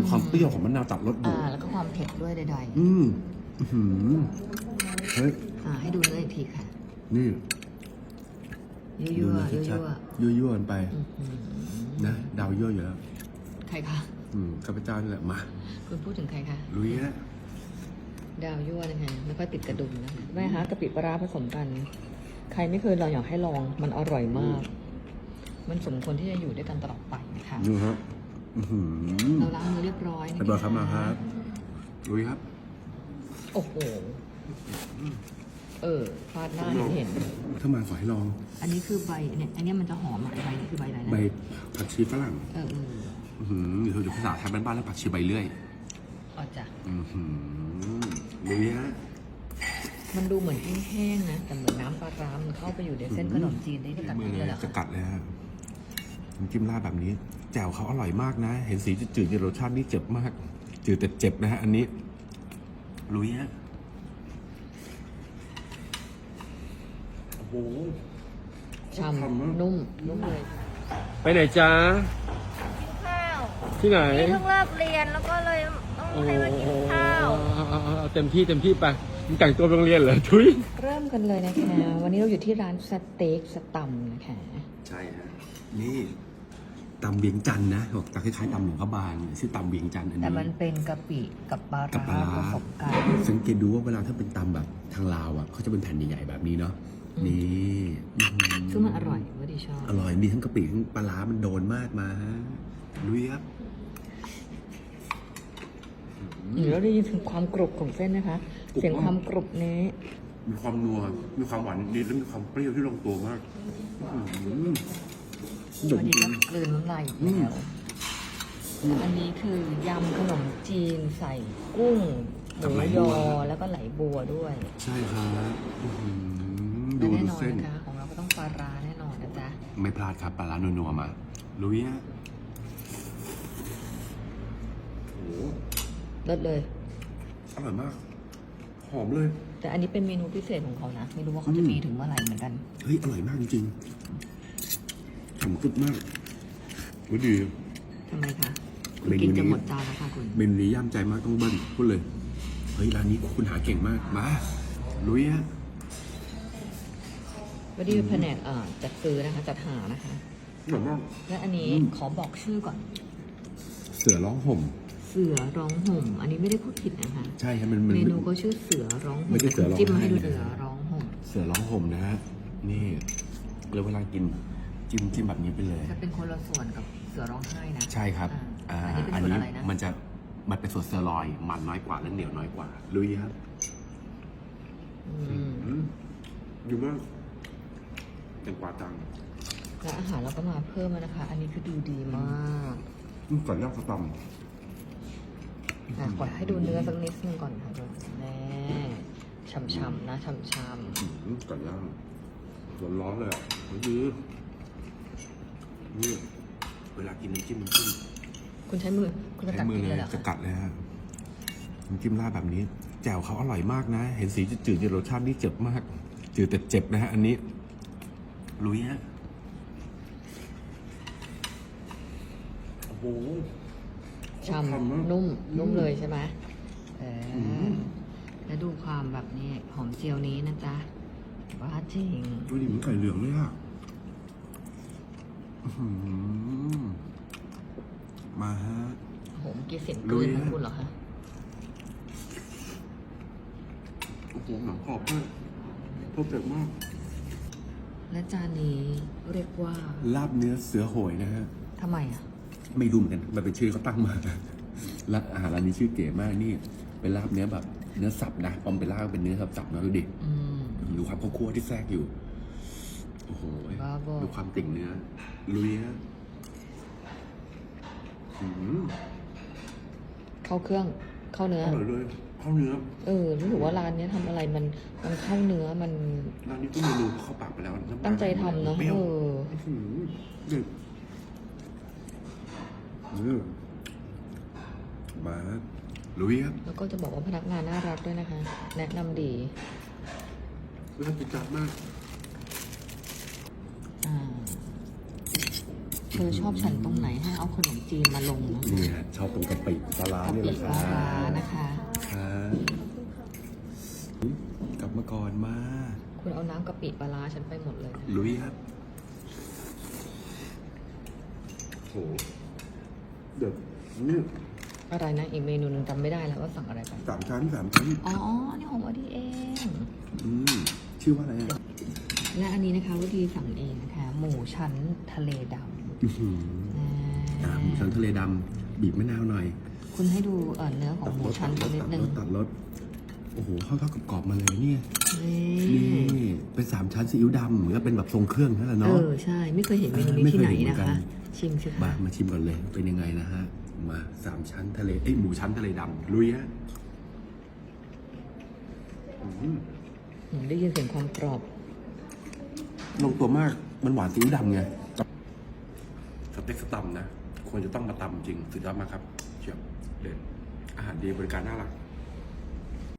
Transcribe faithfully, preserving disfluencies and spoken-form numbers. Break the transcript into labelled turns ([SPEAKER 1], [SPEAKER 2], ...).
[SPEAKER 1] ความเปรี้ยวของมะนาวตัดรสอยู่
[SPEAKER 2] อ่าแล้วก็ความเผ็ดด้วยใด
[SPEAKER 1] อืมอื้อหือเฮ้ย
[SPEAKER 2] ๆอ่าให้ดูเนื้ออีกทีค่ะ
[SPEAKER 1] นี่
[SPEAKER 2] ยั่วยั่ว
[SPEAKER 1] ดู
[SPEAKER 2] ยั่ว
[SPEAKER 1] ชัด
[SPEAKER 2] ยั่ว
[SPEAKER 1] ๆยั่วๆกันไป
[SPEAKER 2] อืม
[SPEAKER 1] นะดาวยั่วอยู่แล้ว
[SPEAKER 2] ใครคะ
[SPEAKER 1] อืมข้าพเจ้านี่แหละมา
[SPEAKER 2] คุณพูดถึงใครคะ
[SPEAKER 1] ลุยฮะ
[SPEAKER 2] ดาวยั่วนะคะไม่ค่อยติดกระดุมนะคะแม่ฮะกะปิปลาร้าผสมกัน ใครไม่เคยลองอยากให้ลองมันอร่อยมาก มันสมควรที่จะอยู่ด้วยกันตลอดไปนะคะ
[SPEAKER 1] ดูฮะอื้อหือ
[SPEAKER 2] เราล้างมือเรียบร้อยนะ
[SPEAKER 1] เรียบร้อยครับมาครับลุยครับ
[SPEAKER 2] โอ้โหเออฟาดหน้าเห็นเห็น
[SPEAKER 1] ถ้ามาขอให้ลอง
[SPEAKER 2] อันนี้คือใบเนี่ยอันนี้มันจะหอมอ่ะใบนี่คือใบอะไรนะ
[SPEAKER 1] ใบผักชีฝรั่ง
[SPEAKER 2] เออเออ
[SPEAKER 1] อื้อหือหรือภาษาไทยบ้านๆแล้วผักชีใบเลื่อย
[SPEAKER 2] อ๋อจ้ะ
[SPEAKER 1] อือหือลุยฮะ
[SPEAKER 2] มันดูเหมือนแห้งๆนะแต่เหมือนน้ำปลาร้ามันเข้าไปอยู่ในเส้นขนมจีนได้ด้วยกัน
[SPEAKER 1] มือ
[SPEAKER 2] เล
[SPEAKER 1] เลย ย
[SPEAKER 2] เหรอ
[SPEAKER 1] จะ
[SPEAKER 2] คะ
[SPEAKER 1] กัดเลยฮะน้ำจิ้มราดแบบนี้ แจ่วเขาอร่อยมากนะ เห็นสีจืดๆในรสชาตินี่เจ็บมาก จืดแต่เจ็บนะฮะ อันนี้ ลุยฮะ โอ้โห
[SPEAKER 2] ฉ่ำนุ่มนุ่มเลย
[SPEAKER 1] ไปไหนจ๊ะ
[SPEAKER 3] ข้าว
[SPEAKER 1] ที่ไหน
[SPEAKER 3] นี่เพิ่งเลิกเรียนแล้วก็เลยต้องให้มากินข้าว
[SPEAKER 1] เต็มที่เต็มที่ไปมึงแต่งตัวโรงเรียนเหรอทุย
[SPEAKER 2] เริ่มกันเลยนะคะ วันนี้เราอยู่ที่ร้านสเต็กสตัมนะคะ
[SPEAKER 1] ใช่ฮะ นี่ตำเวียงจันทร์นะบอกตำคล้ายๆตำหลวงพระบางชื่อตำเวียงจันทร์อัน
[SPEAKER 2] แต่
[SPEAKER 1] นี้
[SPEAKER 2] มันเป็นกะปิกับปลา
[SPEAKER 1] กับปลา
[SPEAKER 2] ร้า
[SPEAKER 1] ร้า
[SPEAKER 2] ผสมกัน
[SPEAKER 1] สังเกตดูว่าเวลาถ้าเป็นตำแบบทางลาวอ่ะเขาจะเป็นแผ่นใหญ่ๆแบบนี้เนาะนี่อื้อหื
[SPEAKER 2] ซึ่งมันอร่อยว่าดีชอบ
[SPEAKER 1] อร่อยมีทั้งกะปิทั้งปลาร้ามันโดนมากมาฮะลุยครับ
[SPEAKER 2] หรือเราได้ยินถึงความกรุบของเส้นนะคะ เสียงความกรุบนี้
[SPEAKER 1] มีความนัวมีความหวานนิดแล้วมีความเปรี้ยวที่ลงตัวมากอื้อหือ
[SPEAKER 2] วันนี้ก็กลืนน้ำลายอีกแล้วอันนี้คือยำขนมจีนใส่กุ้งหมูยอแล้วก็ไหลบัวด้วย
[SPEAKER 1] ใช่ครับอื้อหือดู
[SPEAKER 2] และแน่
[SPEAKER 1] ดู
[SPEAKER 2] นอน
[SPEAKER 1] เส้น
[SPEAKER 2] นะคะของเราก็ต้องปลาร้าแน่นอนนะจ๊ะ
[SPEAKER 1] ไม่พลาดครับปลาร้านัวๆมาลุยฮะโอ้โห
[SPEAKER 2] เลิศเลย
[SPEAKER 1] อร่อยมาก หอมเลย
[SPEAKER 2] แต่อันนี้เป็นเมนูพิเศษของเขานะ ไม่รู้ว่าเขาจะมีถึงเมื่อไหร่เหมือนกัน
[SPEAKER 1] เฮ้ย อร่อยมากจริงๆฉ่ำกึบมากวิดี
[SPEAKER 2] ทำไมคะคุณ
[SPEAKER 1] เมนูนี้
[SPEAKER 2] กินจะหมดจานแล้วค่ะคุณ
[SPEAKER 1] เมนูนี้ย่ำใจมากต้องเบิ้ลพูดเลย เฮ้ย ร้านนี้คุณหาเก่งมาก มา ลุยฮะ
[SPEAKER 2] วันนี้เป็นแผนกอ่าจัดซื้อนะคะ จัดหานะคะ
[SPEAKER 1] อร่อยมาก
[SPEAKER 2] และอันนี้
[SPEAKER 1] อืม
[SPEAKER 2] ขอบอกชื่อก่อน
[SPEAKER 1] เสือร้องห่ม
[SPEAKER 2] เสือร้องห่ม อันนี้ไม่ได้พูดผิดนะคะ
[SPEAKER 1] ใช่ครับมันมัน
[SPEAKER 2] เมนูก็ชื่อเสือร้องห่ม
[SPEAKER 1] ไม่ใช่เสือร้องไห้
[SPEAKER 2] จิ้มมาให้ดู
[SPEAKER 1] นะ
[SPEAKER 2] เสือร้องห่ม
[SPEAKER 1] เสือร้องห่มนะฮะ นี่แล้วเวลากินจิ้มจิ้มแบบนี้ไปเลย
[SPEAKER 2] จะเป็นคนละส่วนกับเสือร้องไห้นะ
[SPEAKER 1] ใช่ครับ
[SPEAKER 2] อ่า
[SPEAKER 1] อ่า
[SPEAKER 2] อันนี้เป็นส่วนอะไรนะ
[SPEAKER 1] มันจะมันเป็นส่วนเซอร์ลอยมันน้อยกว่าและเหนียวน้อยกว่า ลุยครับ
[SPEAKER 2] อืม
[SPEAKER 1] อืมอยู่มากเป็นกว่าจัง
[SPEAKER 2] และอาหารเราก็มาเพิ่มแล้วนะคะ อันนี้คือดูดีมาก
[SPEAKER 1] อืมก่อนย่างสตอม
[SPEAKER 2] อ่ะขอให้ดูเนื้อสักนิดนึงก่อนค่ะแน่ช่ำๆนะช่ำ
[SPEAKER 1] อืมก่อนย่างร้อนๆเลยอ่ะมันคือนี่เวลากินน้ำจิ้มน้ำจิ้ม
[SPEAKER 2] ๆคุณใช้มือ คุณจะ
[SPEAKER 1] ใช้
[SPEAKER 2] กัด
[SPEAKER 1] มือ
[SPEAKER 2] กิน
[SPEAKER 1] เล
[SPEAKER 2] เลย ยเหรอ
[SPEAKER 1] จะ
[SPEAKER 2] คะ
[SPEAKER 1] กัดเลยฮะน้ำจิ้มราดแบบนี้ แจ่วเขาอร่อยมากนะ เห็นสีจืดๆในรสชาตินี่เจ็บมาก จืดแต่เจ็บนะฮะ อันนี้ ลุยฮะ โอ้โห
[SPEAKER 2] ช่
[SPEAKER 1] ทำนะ
[SPEAKER 2] ำนุ่มนุ่มเลยใช่ไหมเอออ
[SPEAKER 1] ม
[SPEAKER 2] แล้วดูความแบบนี้หอมเจียวนี้นะจ๊ะว่าจริง
[SPEAKER 1] ดูดิเหมือนไก่เหลืองเลยอ่ะอื้อหือมาฮะ
[SPEAKER 2] โอ้โหเมื่อกี้เสียงก
[SPEAKER 1] ลุ
[SPEAKER 2] ลื
[SPEAKER 1] ย
[SPEAKER 2] นของ
[SPEAKER 1] ฮะ
[SPEAKER 2] คุณเหรอคะ
[SPEAKER 1] โอ้โหหนังกรอบมากเพอร์เฟกต์มาก
[SPEAKER 2] และจานนี้เรียกว่า
[SPEAKER 1] ลาบเนื้อเสือโหยนะฮะ
[SPEAKER 2] ทำไมอ่ะ
[SPEAKER 1] ไม่รู้เหมือนกัน มันเป็นชื่อเขาตั้งมาและอาหารร้านนี้ชื่อเก๋มากนี่ เป็นลาบเนื้อแบบ เนื้อสับนะปอมเป็นลาบเป็นเนื้อสับสับๆนะดูดิ
[SPEAKER 2] อืม
[SPEAKER 1] ดูความข้าวคั่วที่แทรกอยู่ โอ้โห
[SPEAKER 2] บ้าบอ
[SPEAKER 1] ดูความติ่งเนื้อ ลุยฮะอืม
[SPEAKER 2] เข้าเครื่องเข้าเนื้อ
[SPEAKER 1] อร่อยเลยข้าวเนื้อ
[SPEAKER 2] เออรู้สึกว่าร้านเนี้ยทำอะไรมันมันเข้าเนื้อมัน
[SPEAKER 1] ร้านนี้ก็เมนูเข้าปากไปแล้วน้ำลาย
[SPEAKER 2] ตั้งใจทำเนาะ
[SPEAKER 1] ปรี้ย
[SPEAKER 2] เอ
[SPEAKER 1] ว
[SPEAKER 2] อ
[SPEAKER 1] อื้อหือนี่นี่มาลุยครับ
[SPEAKER 2] แล้วก็จะบอกว่าพนักงานน่ารักด้วยนะคะ แนะนำดี
[SPEAKER 1] น่ากินจัดมาก
[SPEAKER 2] อ่าเธอชอบฉันตรงไหนให้เอาขนมจีนมาลงนะ
[SPEAKER 1] นี่ฮะชอบตรงกะปิปลาร้าก
[SPEAKER 2] ะ
[SPEAKER 1] เนี่ย
[SPEAKER 2] ปิ
[SPEAKER 1] แหละค
[SPEAKER 2] ป
[SPEAKER 1] รั
[SPEAKER 2] ลาร้า
[SPEAKER 1] บ
[SPEAKER 2] นะคะ
[SPEAKER 1] ครับกลับมาก่อนมา
[SPEAKER 2] คุณเอาน้ำกะปิปลาร้าฉันไปหมดเลยนะ
[SPEAKER 1] ลุยครับโหเด็ดนี่
[SPEAKER 2] อะไรนะอีกเมนูหนึงจำไม่ได้แล้วว่าสั่งอะไรไป
[SPEAKER 1] สามชั้นสามชั้น
[SPEAKER 2] อ๋อนี่ของวดีเอง
[SPEAKER 1] อืมชื่อว่าอะไรอ่ะ
[SPEAKER 2] และอันนี้นะคะวดีสั่งเองนะคะ หมูชั้นทะเลด
[SPEAKER 1] อื้อหือ
[SPEAKER 2] ำอ่
[SPEAKER 1] อ่า
[SPEAKER 2] า
[SPEAKER 1] หมูชั้นทะเลดำบีบมะนาวหน่อย
[SPEAKER 2] คุณให้ดูเอ่อเนื้อของหมูชั้นสักนิดนึง
[SPEAKER 1] ตัดรสโอ้โหเข้าเข้ากับกรอบๆมาเลยเนี่ย
[SPEAKER 2] นี่
[SPEAKER 1] นี่เป็นสามชั้นซีอิ๊วดำเหมือนกับเป็นแบบทรงเครื่องนั่นแหละ
[SPEAKER 2] เอ
[SPEAKER 1] เนาะ
[SPEAKER 2] อใช่ ไม่เคยเห็นเมนูนี้
[SPEAKER 1] ไม่
[SPEAKER 2] ที่
[SPEAKER 1] เคย
[SPEAKER 2] ไหน
[SPEAKER 1] เห็นเหมือ
[SPEAKER 2] นะ
[SPEAKER 1] นกัน
[SPEAKER 2] คะ ชิมสิ
[SPEAKER 1] มา
[SPEAKER 2] คะ
[SPEAKER 1] มาชิมก่อนเลยเป็นยังไงนะฮะมาสามชั้นทะเลเอ้ยหมูชั้นทะเลดำลุยฮะอืม
[SPEAKER 2] อืมได้ยินเสียงความกรอบ
[SPEAKER 1] ลงตัวมากมันหวานซีอิ๊วดำไงสเต็กสตัมนะควรจะต้องมาตำจริงสุดยอดมากครับเชียวเด็ดอาหารดีบริการน่ารัก